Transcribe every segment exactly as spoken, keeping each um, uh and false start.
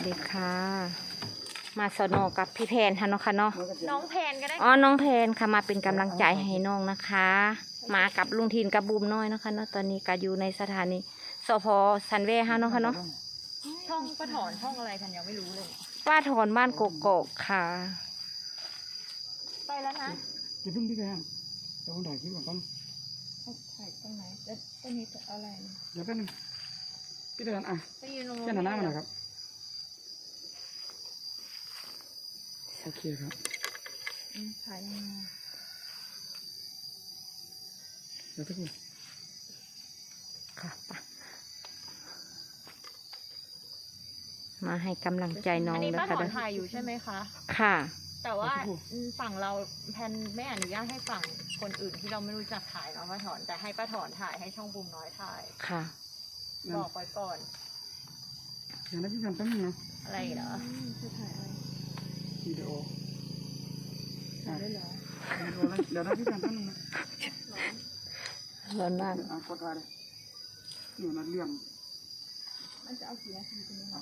ดีค่ะมาสนอกับพี่แพนค่ะเนาะค่ะเนาะน้องแพนก็ได้อ๋อน้องแพนค่ะมาเป็นกำลังใจให้น้องนะคะ มากับลุงทินกับบูมน้อยนะคะเนาะตอนนี้ก็อยู่ในสถานีสพสันเวค่ะเนาะค่ะเนาะช่องป้าถอนช่องอะไรกันยังไม่รู้เลยป้าถอนบ้านกกอกค่ะไปแล้วนะอย่าเพิ่งพี่แพนเดี๋ยวผมถ่ายคลิปก่อนแป๊บนึงถ่ายตรงไหนแล้วตรงนี้อะไรเดี๋ยวแป๊บนึงพี่แพนอ่ะไปยืนตรงแค่หน้าหน้ามันนะครับโอเคครับถ่ายยังไงเดี๋ยวสักครู่ค่ะไปมาให้กำลังใจน้องอันนี้นะป้าถคะอนถ่ายอยู่ใช่ไหมคะค่ะแต่ว่าฝั่งเราแพนไม่อนุญาตให้ฝั่งคนอื่นที่เราไม่รู้จักถ่ายเนาะป้าถอนแต่ให้ป้าถอนถ่ายให้ช่องบูมน้อยถ่ายค่ะบอกไว้ก่อนเดี๋ยวนะพี่แพนแป๊บนึงนะอะไรเหรอจะถ่ายอะไรวิดีโอถ่ายได้เหรอวิดีโอแล้วเดี๋ยวนะพี่แพนแป๊บนึงนะร้อนมากอ่ะกดไว้เลยนี่มันเรื่องมันจะเอากี่นาทีตรงนี้ค่ะ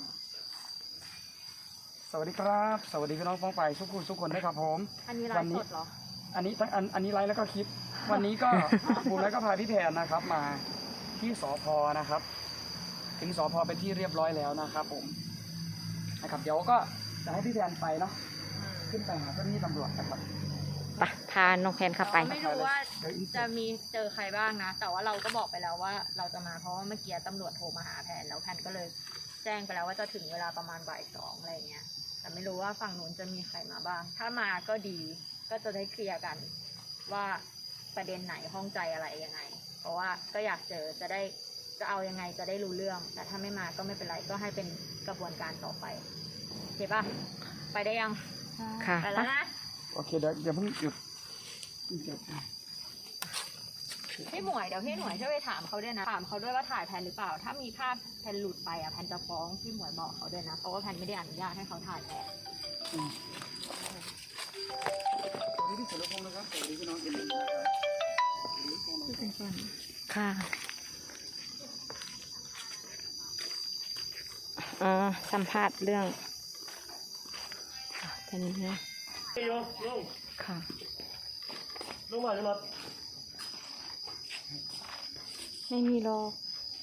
สวัสดีครับ สวัสดีพี่น้องฟ้องไปทุกคนทุกคนด้วยครับผมอันนี้ไลฟ์สดเหรออันนี้ทั้งอันอันนี้ไลฟ์แล้วก็คลิป วันนี้ก็ ผมแล้วก็พาพี่แพนนะครับ มาที่สพนะครับ ถึงสพเป็นที่เรียบร้อยแล้วนะครับผมนะครับเดี๋ยวก็จะให้พี่แพนไปเนาะขึ้นไปหาเจ้าหน้าที่ตำรวจนะครับไปพาน้องแพนเข้าไปไม่รู้ว่าจะมีเจอใครบ้างนะ แต่ว่าเราก็บอกไปแล้วว่าเราจะมาเพราะว่าเมื่อกี้ตำรวจโทรมาหาแพนแล้วแพนก็เลยแจ้งไปแล้วว่าจะถึงเวลาประมาณบ่ายสองอะไรเงี้ยแต่ไม่รู้ว่าฝั่งนู้นจะมีใครมาบ้าง ถ้ามาก็ดีก็จะได้เคลียร์กันว่าประเด็นไหนข้องใจอะไรยังไง เพราะว่าก็อยากเจอจะได้จะเอายังไงจะได้รู้เรื่อง แต่ถ้าไม่มาก็ไม่เป็นไรก็ให้เป็นกระบวนการต่อไปโอเคป่ะไปได้ยังค่ะไปแล้วนะโอเคเดี๋ยวเดี๋ยวเพิ่งหยุดหยุดพี่หมวยเดี๋ยวพี่หมวยช่วยไปถามเขาด้วยนะถามเขาด้วยว่าถ่ายแพนหรือเปล่า ถ้ามีภาพแพนหลุดไปอ่ะแพนจะฟ้องพี่หมวยบอกเขาด้วยนะเพราะว่าแพนไม่ได้อนุญาตให้เขาถ่ายแพนอืมสวัสดีพี่สุรพงศ์นะครับสวัสดีพี่น้องเอ็นดีนะครับค่ะอ๋อสัมภาษณ์เรื่องตอนนี้นะค่ะลงมาจะรถไม่มีหรอก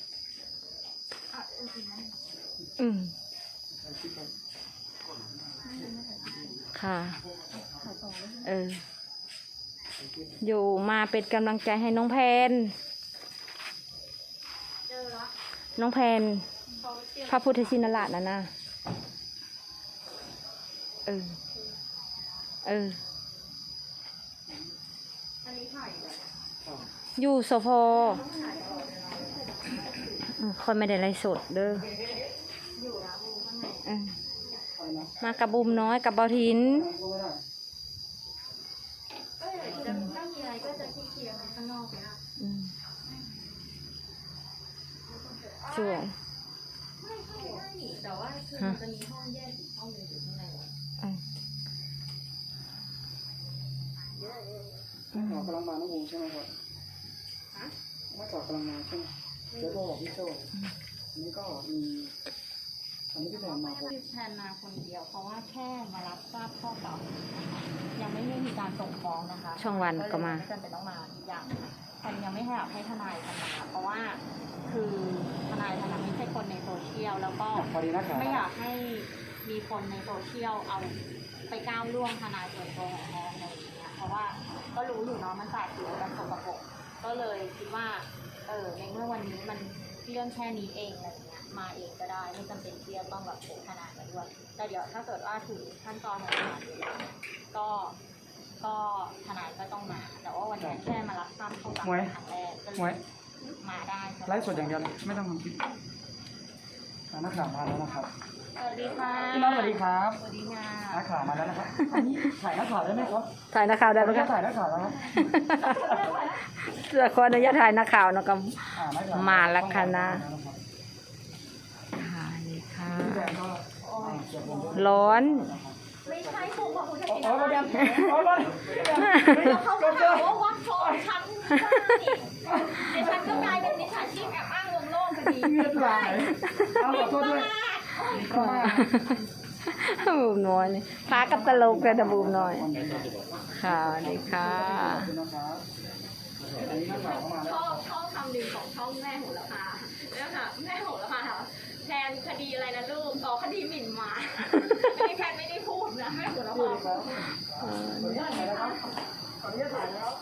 อืมค่ะ เออ อยู่มาเป็นกำลังใจให้น้องแพน น้องแพน พระพุทธชินราชนะนะเออ เออ อยู่สพคนไม่ได้ไลฟ์สดเด้อเออมากับบุมน้อยกับเบาทินก็เลยจะถ้ามีอะไรก็จะเคลียร์กันข้างนอกนะอืมสวยไม่ใช่ได้หนิแต่ว่าคือมันจะมีห้องแยกอีกห้องหนึ่งอยู่ข้างในอืมนักข่าวกำลังมาน้องวงใช่ไหมครับนักข่าวกำลังมาใช่ไหมเดี๋ยวโทรบอกพี่โจ้อันนี้ก็มีอันนี้พี่แพนมาผมแทนมาคนเดียวเพราะว่าแค่มารับทราบข้อกล่าวหายังไม่มีการส่งฟ้องนะคะช่องวันก็มาไม่จำเป็นต้องมาอีกอย่างแทนยังไม่ให้ให้ทนายกันมาเพราะว่าคือทนายทนายไม่ใช่คนในโซเชียลแล้วก็พอดีนักข่าวไม่อยากให้มีคนในโซเชียลเอาไปก้าวล่วงทนายส่วนตัวของแทนอะไรอย่างเงี้ยเพราะว่าก็รู้อยู่เนาะมันสาดผิวกันสกปรกก็เลยคิดว่าเออในเมื่อวันนี้มันเรื่องแค่นี้เองอะไรอย่างเงี้ยมาเองก็ได้ไม่จำเป็นที่จะต้องแบบโผล่ทนายมาด้วยแต่เดี๋ยวถ้าเกิดว่าถึงขั้นตอนของศาลก็ก็ทนายก็ต้องมา แต่ว่าวันนี้แค่มารับทราบข้อกล่าวหาครั้งแรกก็เลยมาได้ไลฟ์สดอย่างเดียวไม่ต้องทำคลิปนักข่าวมาแล้วนะครับสวัสดีค่ะพี่น้องสวัสดีครับสวัสดีค่ะนักข่าวมาแล้วนะครับอันนี้ถ่ายนักข่าวได้ไหมครับถ่ายนักข่าวได้ไหมเราคจะรับถ่ายนักข่าวแล้วครับเสื้อคออนุญาตถ่ายนักข่าวเนาะกับอ่นักข่วมาแล้วค่ะนะ ค่ะนี่ค่ะพี่แพนก็อ่าเสียบผมด้วยร้อนไม่ใช่ผมบอกคุณจะโอ้กินโหอะไรมาเดี๋ยวโอ้โหมาเดี๋ยวเขาก็หาว่าวัดฟองฉันดิฉันก็กลายเป็นมิจฉาชีพแอบอ้างวงโลกพอดีเงียบไหลเอาขอโทษด้วยบูมน้อยนี่พากับตลกเลยนะบูมน้อยค่ะสวัสดีค่ะชอบชอบคำหนึ่งของช่องแม่โหระพาเนี่ยค่ะแม่โหระพาค่ะแทนคดีอะไรนะลูกต่อคดีหมิ่นหมาอันนี้แทนไม่ได้พูดนะแม่โหระพาขออนุญาตถ่ายนะครับขออนุญาตถ่ายนะครับ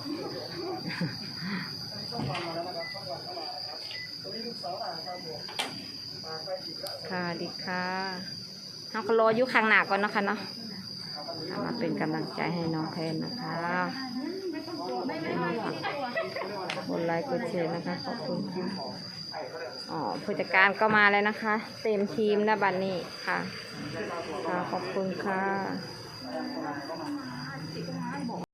ช่องวันมาแล้วนะครับช่องวันเข้ามานะครับตรงนี้ลูกสาวนะครับผมมาใกล้จิตแล้วค่ะสวัสดีค่ะเราก็รออยู่ข้างหน้าก่อนนะคะเนาะเอามาเป็นกำลังใจให้น้องแพนนะคะกดไลค์กดแชร์นะคะขอบคุณค่ะอ๋อผู้จัดการก็มาแล้วนะคะ เต็มทีมนะบัดนนี้ค่ะค่ะขอบคุณค่ะ